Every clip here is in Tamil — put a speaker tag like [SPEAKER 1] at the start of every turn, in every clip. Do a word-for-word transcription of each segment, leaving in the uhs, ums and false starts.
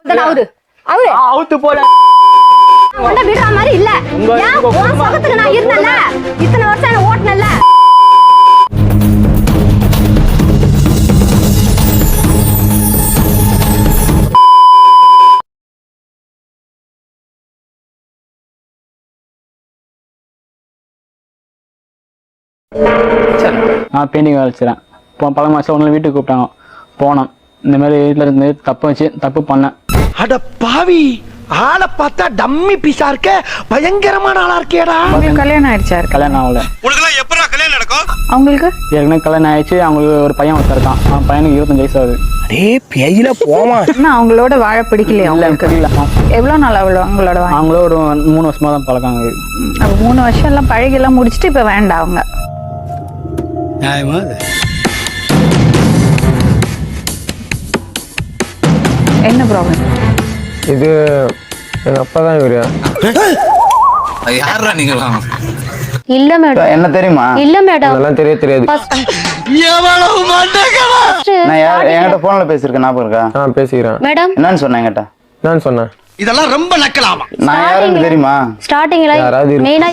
[SPEAKER 1] அவரு அவரு
[SPEAKER 2] அவுத்து போல
[SPEAKER 1] உன்ன விடுற மாதிரி இல்ல. ஏன் உன் சகத்துக்கு நான் இருந்தேன்ல, இத்தனை வருஷம் என்ன ஓட்டுனேன்ல.
[SPEAKER 2] நான் பெயிண்டிங் வேலை செய்கிறேன். இப்போ பல மாதம் ஒன்று வீட்டுக்கு கூப்பிட்டாங்க. போனோம். இந்த மாதிரி வீட்டில் இருந்து தப்பு வச்சு தப்பு பண்ணேன்.
[SPEAKER 3] அட பாவி, ஆளை பார்த்தா டம்மி பீஸா இருக்க, பயங்கரமான ஆளா இருக்கேடா.
[SPEAKER 4] கல்யாணம் ஆயிடுச்சா?
[SPEAKER 2] கல்யாணம் ஆகல.
[SPEAKER 5] உனக்குலாம் எப்படா கல்யாணம் நடக்கும்?
[SPEAKER 4] அவங்களுக்கு
[SPEAKER 2] ஏற்கனவே கல்யாணம் ஆயிடுச்சு. அவங்களுக்கு ஒரு பையன் ஒருத்தர் இருக்கான். அவன் பையனுக்கு இருபத்தஞ்சு வயசு ஆகுது.
[SPEAKER 3] அடே பேயில போமா.
[SPEAKER 4] என்ன அவங்களோட வாழ பிடிக்கலையா?
[SPEAKER 2] இல்லை தெரியல.
[SPEAKER 4] எவ்வளோ நாள் அவ்வளோ அவங்களோட வாழ?
[SPEAKER 2] அவங்களும் ஒரு மூணு வருஷமா தான் பழக்காங்க.
[SPEAKER 4] அப்போ மூணு வருஷம் எல்லாம் பழகெல்லாம் முடிச்சுட்டு இப்போ வேண்டாம் அவங்க. என்ன ப்ராப்ளம்?
[SPEAKER 6] இது எங்க அப்பா தான் இவரு.
[SPEAKER 5] யாரா நீங்களா?
[SPEAKER 1] இல்ல மேடம்.
[SPEAKER 7] என்ன தெரியுமா?
[SPEAKER 1] இல்ல மேடம்.
[SPEAKER 6] அதெல்லாம் தெரிய தெரியாது.
[SPEAKER 3] எவ்வளவு மண்டகடா.
[SPEAKER 7] நான் யார் என்கிட்ட போன்ல பேசிருக்கேன், ஞாபகம் இருக்கா?
[SPEAKER 6] நான் பேசிக்கிறேன்.
[SPEAKER 1] மேடம்
[SPEAKER 7] என்னன்னு சொன்னேன் என்கிட்ட?
[SPEAKER 6] நான் சொன்னேன்
[SPEAKER 3] இதெல்லாம் ரொம்ப நக்கலாமா?
[SPEAKER 7] நான் யாருன்னு தெரியுமா?
[SPEAKER 1] ஸ்டார்டிங்ல
[SPEAKER 6] யாராவது
[SPEAKER 1] மெயினா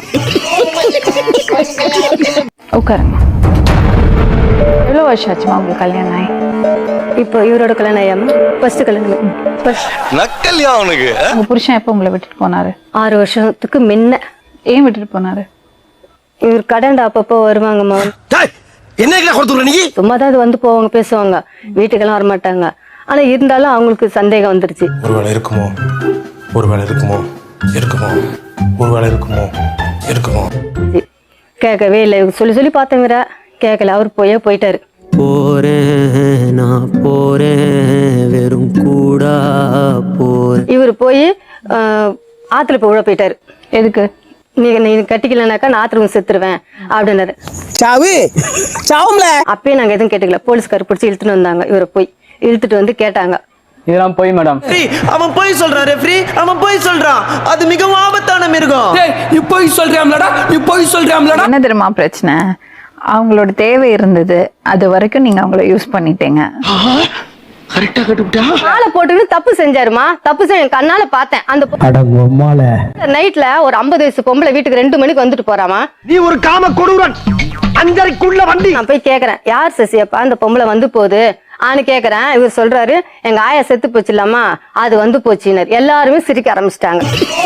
[SPEAKER 4] உட்காருங்க. எவ்வளோ வருஷம் ஆச்சுமா உங்களுக்கு கல்யாணம் ஆகி?
[SPEAKER 1] இப்போ இவரோட கல்யாணம் ஆயாம ஃபர்ஸ்ட் கல்யாணம்.
[SPEAKER 5] நக்கல்யா அவனுக்கு.
[SPEAKER 4] உங்க புருஷன் எப்போ உங்களை விட்டுட்டு போனாரு?
[SPEAKER 1] ஆறு வருஷத்துக்கு முன்ன.
[SPEAKER 4] ஏன் விட்டுட்டு போனாரு?
[SPEAKER 1] இவர் கடன்டா அப்பப்போ வருவாங்கம்மா.
[SPEAKER 3] என்ன கொடுத்துற நீ?
[SPEAKER 1] சும்மா தான் அது வந்து போவாங்க, பேசுவாங்க, வீட்டுக்கெல்லாம் வரமாட்டாங்க. ஆனா இருந்தாலும் அவங்களுக்கு சந்தேகம் வந்துருச்சு.
[SPEAKER 5] ஒருவேளை இருக்குமோ, ஒருவேளை இருக்குமோ, இருக்குமோ, ஒருவேளை இருக்குமோ, இருக்குமோ.
[SPEAKER 1] கேட்கவே இல்லை. சொல்லி சொல்லி பார்த்தவர கேட்கல. அவர் போயே போயிட்டாரு.
[SPEAKER 8] போறேன் நான் போறேன் வெறும் கூடா போறேன்.
[SPEAKER 1] இவர் போய் ஆத்துல போய் உழ போயிட்டாரு.
[SPEAKER 4] எதுக்கு?
[SPEAKER 1] நீங்க நீ கட்டிக்கலனாக்கா நான் ஆத்துல செத்துருவேன் அப்படின்னாரு.
[SPEAKER 3] சாவு சாவும்ல.
[SPEAKER 1] அப்பயே நாங்க எதுவும் கேட்டுக்கல. போலீஸ்கார் பிடிச்சி இழுத்துட்டு வந்தாங்க. இவரை போய் இழுத்துட்டு வந்து கேட்டாங்க.
[SPEAKER 2] இதெல்லாம் போய் மேடம்.
[SPEAKER 3] அவன் போய் சொல்றான் ரெஃப்ரி, அவன் போய் சொல்றான். அது மிகவும் ஆபத்தான மிருகம். நீ போய் சொல்றியாம்லடா, நீ போய் சொல்றியாம்லடா.
[SPEAKER 4] என்ன தெரியுமா பிரச்சனை? அவங்களோட தேவை இருந்தது, அது வரைக்கும் நீங்க அவங்கள யூஸ் பண்ணிட்டீங்க.
[SPEAKER 3] கரெக்டா கட்டுட்டா.
[SPEAKER 1] ஆளை போட்டு தப்பு செஞ்சாருமா. தப்பு செஞ்ச கண்ணால பார்த்தேன். அந்த நைட்ல ஒரு ஐம்பது வயசு பொம்பளை வீட்டுக்கு ரெண்டு மணிக்கு வந்துட்டு போறாமா.
[SPEAKER 3] நீ ஒரு காம கொடூரன். அஞ்சரைக்குள்ள வண்டி.
[SPEAKER 1] நான் போய் கேக்குறேன், யார் சசியப்பா அந்த பொம்பளை வந்து போகுது ஆனு கேக்குறேன். இவர் சொல்றாரு, எங்க ஆயா செத்து போச்சு இல்லாமா, அது வந்து போச்சுனர். எல்லாருமே சிரிக்க ஆரம்பிச்சிட்டாங்க.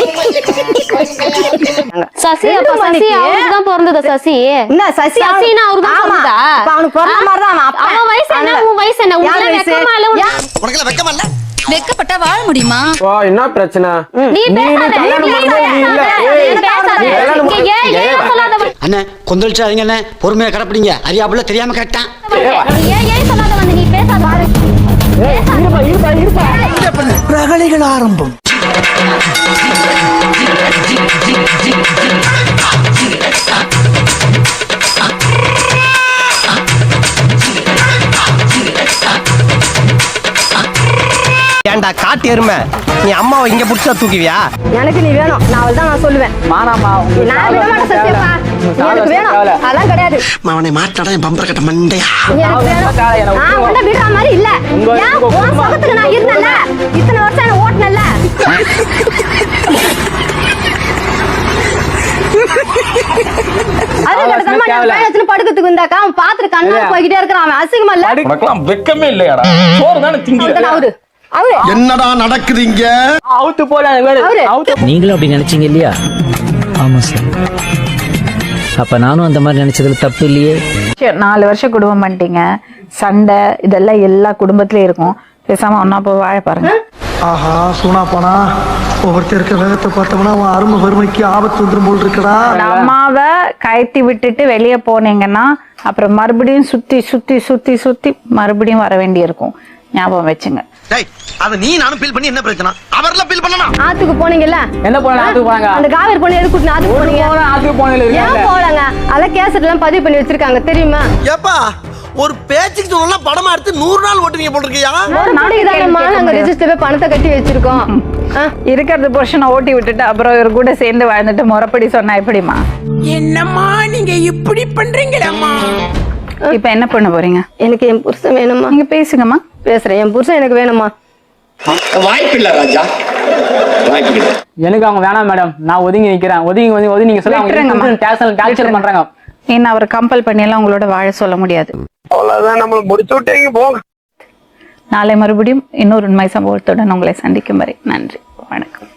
[SPEAKER 1] சசி அப்ப சசி அவருக்கு தான் பிறந்தது. சசி என்ன சசி சசினா அவருக்கு தான் பிறந்ததா? அப்ப அவனுக்கு பிறந்த மாதிரி தான். அவன் வயசு என்ன, உன் வயசு என்ன? உங்களுக்கு வெக்கமா இல்ல?
[SPEAKER 3] உனக்கு வெக்கமா இல்ல?
[SPEAKER 9] வெக்கப்பட்டா வாழ முடியுமா?
[SPEAKER 6] வா, என்ன பிரச்சனை?
[SPEAKER 1] நீ பேசாத, நீ பேசாத. ஏன் ஏன் சொல்லாத?
[SPEAKER 8] அண்ணே கொந்தளிச்சாதீங்க அண்ணே, பொறுமையா கடப்பிடிங்க. அறியாப்புல தெரியாம கேட்டான்.
[SPEAKER 1] ஏன் ஏன் சொல்லாத வந்து நீ பேசாத.
[SPEAKER 3] இருப்பா இருப்பா இருப்பா. பிரகலைகள் ஆரம்பம். ஏண்டா காட்டு எருமை, நீ அம்மாவை இங்க புடிச்சா தூக்குவியா?
[SPEAKER 1] எனக்கு நீ வேணும். நான் அவள் தான் நான் சொல்லுவேன்.
[SPEAKER 2] மாறாமா
[SPEAKER 1] நான் விட மாட்டேன் சசியப்பா. எனக்கு வேணும். அதெல்லாம் கிடையாது.
[SPEAKER 3] அவனை மாட்டாடா என் பம்பர கட்ட மண்டையா.
[SPEAKER 1] எனக்கு வேணும். நான் உன்ன விடுற மாதிரி இல்ல. ஏன் உன் சகத்துக்கு நான் இருந்தேன்ல, இத்தனை வருஷம் என்ன ஓட்டுனேன்ல. அது கடத்தமா நான் பேயத்துல படுக்கிறதுக்கு வந்தாக்கா அவன் பாத்துட்டு கண்ணா போய்கிட்டே இருக்கிறான். அவன் அசிங்கமா இல்ல?
[SPEAKER 5] உனக்குலாம் வெக்கமே இல்லையாடா? சோறு தானே திங்க.
[SPEAKER 1] அவரு அவரு
[SPEAKER 3] என்னடா நடக்குதுங்க?
[SPEAKER 2] அவுத்து போல அவுத்து.
[SPEAKER 8] நீங்களும் அப்படி நினைச்சீங்க இல்லையா? ஆமா சார். அப்ப நானும் அந்த மாதிரி நினைச்சதுல தப்பு இல்லையே.
[SPEAKER 4] நாலு வருஷம் குடும்பம் பண்ணிட்டீங்க. சண்டை இதெல்லாம் எல்லா குடும்பத்திலயும் இருக்கும். பேசாம ஒன்னா போய் வாழ பாருங்க.
[SPEAKER 3] ஆஹா சூனா போனா ஒவ்வொருத்தர் இருக்க வேகத்தை பார்த்தோம்னா அவன் அருமை வறுமைக்கு ஆபத்து வந்துடும் போல் இருக்கடா.
[SPEAKER 4] அம்மாவை கயத்தி விட்டுட்டு வெளியே போனீங்கன்னா அப்புறம் மறுபடியும் சுத்தி சுத்தி சுத்தி சுத்தி மறுபடியும் வர வேண்டி இருக்கும். ஞாபகம் வச்சுங்க.
[SPEAKER 3] அத நீ நானும் ஃபீல் பண்ணி என்ன பிரச்சனை? அவர்லாம் ஃபீல் பண்ணணும்.
[SPEAKER 1] ஆத்துக்கு போனீங்கல்ல?
[SPEAKER 2] என்ன போன? ஆத்துக்கு போறாங்க.
[SPEAKER 1] அந்த காவேரி பொண்ணு எதுக்கு கூட்டின ஆத்துக்கு போனீங்க?
[SPEAKER 2] ஆத்துக்கு போனல இல்ல.
[SPEAKER 1] ஏன் போறாங்க? அத கேசட் எல்லாம் பதிவு பண்ணி வச்சிருக்காங்க தெரியுமா?
[SPEAKER 3] ஏப்பா ஒரு பேச்சுக்கு சொல்லலாம் படமா எடுத்து நூறு நாள் ஓட்டுவீங்க போல இருக்கியா?
[SPEAKER 1] ஒரு நாளைக்கு தானம்மா நாங்க ரெஜிஸ்டர்ல பணத்தை கட்டி வச்சிருக்கோம்.
[SPEAKER 4] இருக்கிறது புருஷனை ஓட்டி விட்டுட்டு அப்புறம் இவர் கூட சேர்ந்து வாழ்ந்துட்டு முறைப்படி சொன்னா எப்படிமா?
[SPEAKER 9] என்னம்மா நீங்க இப்படி பண்றீங்களம்மா?
[SPEAKER 4] இப்ப என்ன பண்ண போறீங்க?
[SPEAKER 1] எனக்கு என் புருஷன் வேணுமா.
[SPEAKER 4] நீங்க பேசுங்கம்மா.
[SPEAKER 1] பேசுறேன். என் புருஷன் எனக்கு வேணுமா.
[SPEAKER 3] வாய்ப்பு இல்ல ராஜா, வாய்ப்பு இல்ல.
[SPEAKER 2] எனக்கு அவங்க வேணாம் மேடம், நான் ஒதுங்கி நிக்கிறேன். ஒதுங்கி ஒதுங்கி ஒதுங்கி நீங்க
[SPEAKER 4] விட்டுருங்கம்மா.
[SPEAKER 2] சொல்ல டார்ச்சர் பண்றாங்க.
[SPEAKER 4] இன்னும் அவர் கம்பல் பண்ணி எல்லாம் உங்களோட வாழ சொல்ல முடியாது.
[SPEAKER 3] அவ்வளவுதான், நம்மள முடிச்சு விட்டீங்க போங்க.
[SPEAKER 4] நாளை மறுபடியும் இன்னொரு உண்மை சம்பவத்துடன் உங்களை சந்திக்கும் வரை நன்றி, வணக்கம்.